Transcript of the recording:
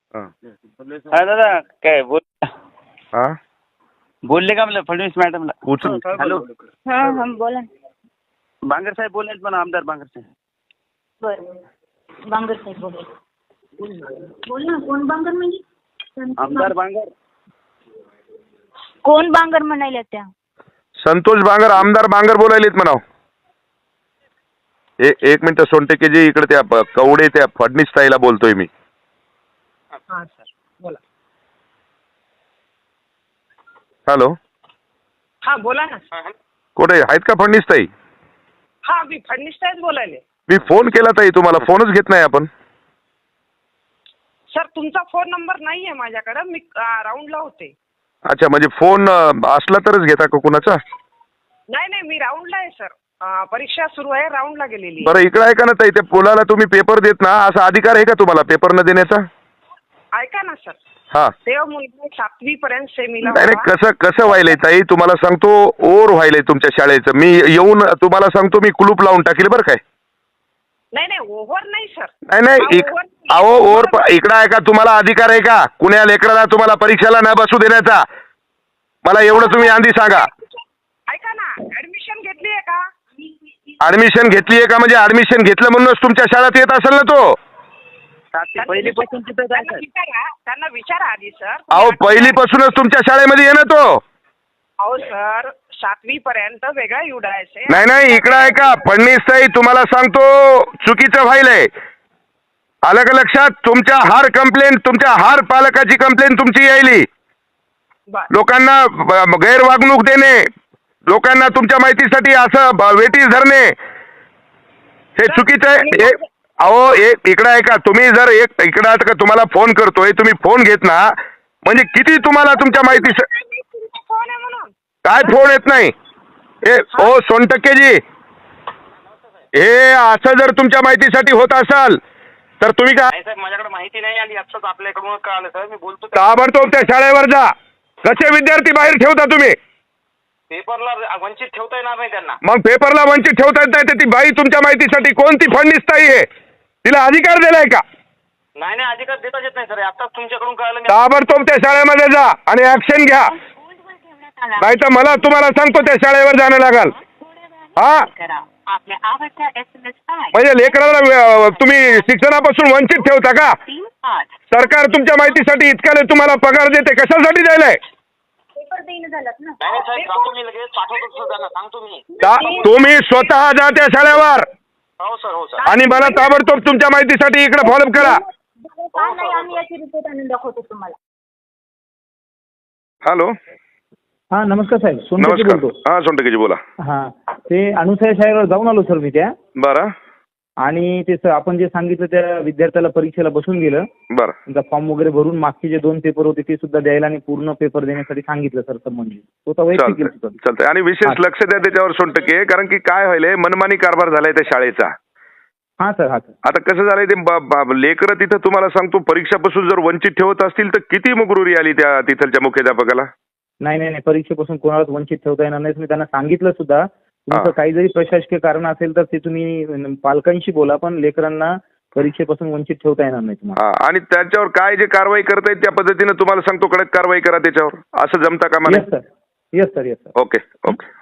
हा. हा दादा काय हा बोलले का मला फडणवीस मॅडमला? उचल. हॅलो, हा हा बोला. बांगर साहेब बोलले पण आमदार बांगर साहेब. बरं बांगर साहेब बोल ना. कोण बांगर म्हणजे? आमदार बांगर. कोण बांगर म्हणायला त्या? संतोष बांगर, आमदार बांगर बोलायलेत म्हणाव. एक मिनिट सोनटेकेजी, इकडे त्या कवडे त्या फडणीस ताईला बोलतोय मी. हा सर बोला. हॅलो, हा बोला ना. कुठे आहेत का फडणीस ताई? हा मी फडणीस साहेब बोलायले. मी फोन केला ताई, तुम्हाला फोनच घेत नाही आपण. सर तुमचा फोन नंबर नाहीये माझ्याकडे. मी राऊंडला होते. अच्छा, म्हणजे फोन असला तरच घेता का कुणाचा? नाही मी राऊंडला आहे सर. परीक्षा सुरू आहे, राऊंडला गेलेली आहे. बरं इकडे ऐका ना ताई, त्या पोलाला तुम्ही पेपर देत ना, असा अधिकार आहे का तुम्हाला पेपर न देण्याचा? ऐका ना सर, हा. तेव्हा मुलगा 7वी पर्यंत सेमीला नाही होता. कसं व्हायलंय ताई, तुम्हाला सांगतो ओर व्हायलंय तुमच्या शाळेचं. मी येऊन तुम्हाला सांगतो, मी कुलूप लावून टाकील बरं काय. नाही ओव्हर नाही सर. नाही अहो ओर इकडे आहे का, तुम्हाला अधिकार आहे का कुण्या लेकराला तुम्हाला परीक्षेला न बसू देण्याचा? मला एवढं तुम्ही आधी सांगा. ऐका ना, ऍडमिशन घेतली आहे का? ऍडमिशन घेतली आहे का? म्हणजे ऍडमिशन घेतलं म्हणूनच तुमच्या शाळेत येत असेल ना तो. पहिलीपासून तिथं जायचं. त्यांना विचारा आधी सर. अहो पहिलीपासूनच तुमच्या शाळेमध्ये ये ना तो. अहो सर 7वी पर्यंत वेगळा युडायचे. नाही इकडं आहे का फडणीस ताई, तुम्हाला सांगतो चुकीचं व्हायलंय. आलं का लक्षात? तुमच्या तुमच्या हर पालकाची कंप्लेंट तुमची यायली. लोकांना गैरवागणूक देणे, लोकांना तुमच्या माहितीसाठी असं वेटीस धरणे, हे चुकीचं आहे. अहो इकडं आहे का, तुम्ही जर इकडं का तुम्हाला फोन करतोय, तुम्ही फोन घेत ना, म्हणजे किती तुम्हाला तुमच्या माहितीसाठी फोन आहे म्हणून काय फोन येत नाही. ओ सोनटक्केजी, हे असं जर तुमच्या माहितीसाठी होत असाल तर तुम्ही काय साहेब माझ्याकडे माहिती नाही आली, आत्ताच आपल्याकडून कळालं सर. मी बोलतो ताबडतोब त्या शाळेवर जा. कसे विद्यार्थी बाहेर ठेवता तुम्ही? पेपरला वंचित ठेवता येणार नाही त्यांना. मग पेपरला वंचित ठेवता येत नाही. ती बाई तुमच्या माहितीसाठी कोणती फडणीस ताई आहे? तिला अधिकार दिलाय का? नाही अधिकार देताच येत नाही सर. आत्ताच तुमच्याकडून कळालं. ताबडतोब त्या शाळेमध्ये जा आणि ऍक्शन घ्या, नाही तर मला तुम्हाला सांगतो त्या शाळेवर जाणं लागल. हा, म्हणजे लेकराला तुम्ही शिक्षणापासून वंचित ठेवता का? सरकार तुमच्या माहितीसाठी इतका तुम्हाला पगार देते, कशासाठी द्यायलाय? पेपर देणं झालं ना. नाही साहेब, जातो मी लगेच, पाठवतो सर त्यांना, सांगतो मी. तुम्ही स्वतः जा त्या शाळेवर हो सर. आणि मला ताबडतोब तुमच्या माहितीसाठी इकडे फॉलोअप करा. नाही आम्ही याची रिपोर्ट आणून दाखवतो तुम्हाला. हॅलो, हा नमस्कार साहेब, सोनटके नमस्कार. बोलतो. हा सोनटकेजी बोला. हा ते अनुसया शाळेवर जाऊन आलो सर मी त्या. बरं आणि ते सर आपण जे सांगितलं त्या विद्यार्थ्याला परीक्षेला बसून गेलं. बरं त्यांचा फॉर्म वगैरे भरून मागचे जे 2 पेपर होते ते सुद्धा द्यायला आणि पूर्ण पेपर देण्यासाठी सांगितलं सर संबंधित. तो तर वैयक्तिक केलं सर. चालतंय. आणि विशेष लक्ष द्या त्याच्यावर सोनटके, कारण की काय व्हायलंय, मनमानी कारभार झालाय त्या शाळेचा. हा सर. आता कसं झालंय ते लेकरं तिथं तुम्हाला सांगतो परीक्षापासून जर वंचित ठेवत असतील तर किती मुगरुरी आली त्या तिथलच्या मुख्याध्यापकाला. नाही परीक्षेपासून कोणालाच वंचित ठेवता येणार नाही. मी त्यांना सांगितलं सुद्धा. तुमचं काही जरी प्रशासकीय कारण असेल तर ते तुम्ही पालकांशी बोला, पण लेकरांना परीक्षेपासून वंचित ठेवता येणार नाही तुम्हाला. आणि त्याच्यावर काय जे कारवाई करतायत त्या पद्धतीने तुम्हाला सांगतो कडक कारवाई करा त्याच्यावर. असं जमता का मला? Yes sir. ओके.